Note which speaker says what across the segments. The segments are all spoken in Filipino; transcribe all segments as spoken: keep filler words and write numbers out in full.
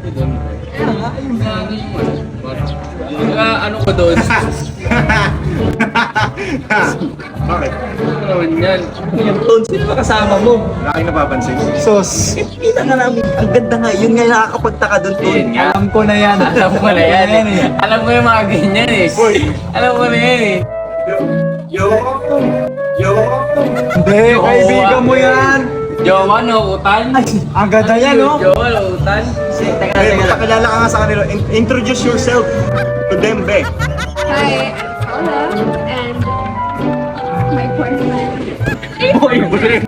Speaker 1: doon. Ah, ano ko doon?
Speaker 2: Bakit?
Speaker 1: Ano naman yan?
Speaker 3: Yung tone, sino ba kasama mo?
Speaker 2: Wala kayong napapansin.
Speaker 3: Sos. Kita nga namin, ang ganda nga. Yun nga yung nakakapagtaka doon, tone.
Speaker 1: Yun nga.
Speaker 3: Alam ko na yan.
Speaker 1: Alam ko na yan eh. Alam ko yung mga ganyan eh. Alam ko na yan eh.
Speaker 2: Yo! Yo!
Speaker 3: Hindi, kaibigan mo yan.
Speaker 1: Jowa, no? Utan?
Speaker 3: Ang ganda yan, no?
Speaker 1: Jowa, no? Utan?
Speaker 3: Teka,
Speaker 2: Hey,
Speaker 3: teka.
Speaker 2: magpakilala ka nga sa kanila. In- introduce yourself to them, Be.
Speaker 4: Hi, I'm Paula, and my boyfriend.
Speaker 1: Boyfriend!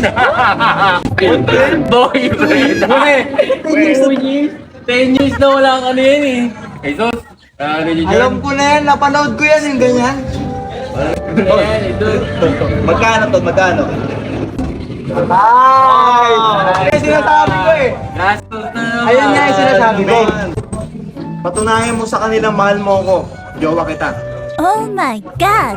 Speaker 1: Boyfriend!
Speaker 3: Wait.
Speaker 1: ten years na wala kang ano yan eh. Jesus! Ah, ano yun dyan?
Speaker 3: Alam ko na yan, napanood ko yan, yung ganyan.
Speaker 1: Ano yan, ito.
Speaker 2: Magkano to? Magkano?
Speaker 3: Ay! Kaya sinasabi ko eh.
Speaker 1: Gastos na naman.
Speaker 3: Ayun nga yung sinasabi ko.
Speaker 2: Patunayan mo sa kanila, mahal mo ako. Jowa kita.
Speaker 5: Oh my God!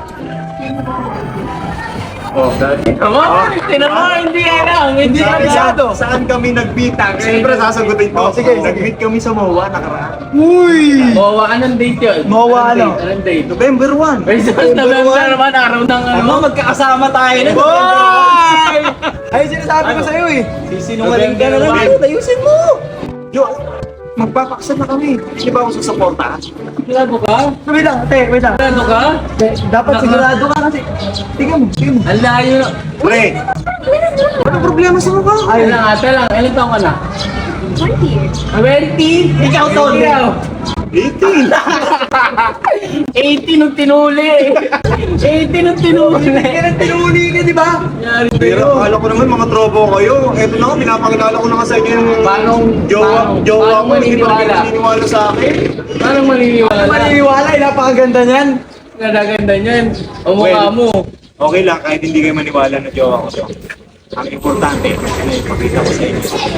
Speaker 2: Oh,
Speaker 1: Tinan mo! Tinan mo! Hindi alam! Hindi
Speaker 2: Sabi
Speaker 1: alam!
Speaker 2: sa saan kami nagbitag? Siyempre sasagutin ko.
Speaker 3: Oh, sige, sige.
Speaker 2: Nag-meet kami sa M O A nakaraan.
Speaker 3: Uy!
Speaker 1: Mowa, anong date yun?
Speaker 3: Mowa
Speaker 1: Anong
Speaker 3: ano?
Speaker 1: date? Anong date?
Speaker 2: November first.
Speaker 1: Ay, sa November naman, araw ng ano.
Speaker 3: Ano, magkakasama tayo na. Boy! Ay, sinasabi ko sa'yo eh. Sisinungaling ka na lang.
Speaker 2: November.
Speaker 3: Ayusin mo.
Speaker 2: Yo, magpapaksan na kami. Hindi ba ako susuporta?
Speaker 1: Sigurado ka?
Speaker 3: Wait lang, ate, wait lang.
Speaker 1: Sigurado ka?
Speaker 3: Dapat sigurado ka kasi. Tingnan mo, tingnan mo.
Speaker 1: Ang layo na.
Speaker 2: Pre, ano problema sa mukha?
Speaker 1: Ay, lang ata lang. Ilan taong ka na?
Speaker 4: twenty.
Speaker 1: twenty?
Speaker 3: Ikaw, Tol.
Speaker 1: Ikaw.
Speaker 2: eighteen.
Speaker 1: eighteen nung tinuli. eighteen nung tinuli.
Speaker 3: Kaya tinuli ka, di ba?
Speaker 1: Nangyari
Speaker 2: Pero
Speaker 1: sa'yo.
Speaker 2: akala ko naman mga trobo kayo. Eto na nga, pinapakilala ko na nga sa inyo yung
Speaker 1: Paano-
Speaker 2: jowa,
Speaker 1: paano-
Speaker 2: jowa
Speaker 1: paano
Speaker 2: mo. Hindi pa kayo
Speaker 1: maniniwala?
Speaker 2: naniniwala sa akin.
Speaker 1: Paano maniniwala?
Speaker 3: Maniniwala, eh, napakaganda niyan.
Speaker 1: Ganda-ganda niyan. O mukha
Speaker 2: Well,
Speaker 1: mo.
Speaker 2: Okay lang, kahit hindi kayo maniwala na jowa ko to. Ang importante, ipakita ko sa inyo.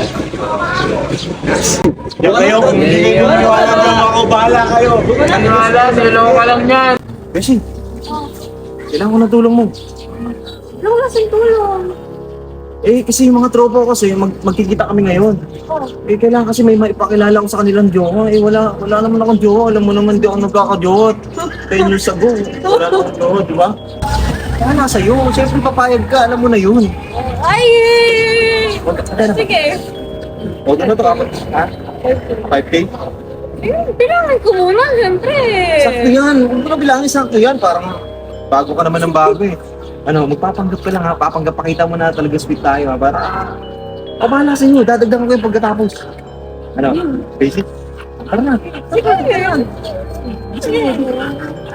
Speaker 2: Yan kayo, kung hindi kayo maniwala na jowa ko, bahala kayo.
Speaker 1: Maniwala, silo ka lang yan.
Speaker 2: Beshi, kailangan ko na tulong mo.
Speaker 4: Ano ko kasing tulong?
Speaker 2: Eh, kasi yung mga tropa ko kasi, mag magkikita kami ngayon. Eh, kailangan kasi may maipakilala ko sa kanilang jowa. Eh, wala, wala naman akong jowa. Alam mo naman, di ako nagkakajowa. ten years ago, wala na akong jowa, di ba? Kaya nasa iyo. Siyempre, papayag ka. Alam mo na yun.
Speaker 4: Ay!
Speaker 2: Wag ka na.
Speaker 4: Sige.
Speaker 2: O, ano to? Ha? five K?
Speaker 4: Eh, bilangin ko muna, siyempre.
Speaker 2: Sakto yan. Huwag mo na bilangin sakto yan. Parang bago ka naman ng bago eh. Ano, magpapanggap ka lang ha. Papanggap, pakita mo na talaga sweet tayo ha. Para, pabahala sa inyo. Dadagdagan ko yung pagkatapos. Ano, basic? Tara na.
Speaker 4: Sige. Sige.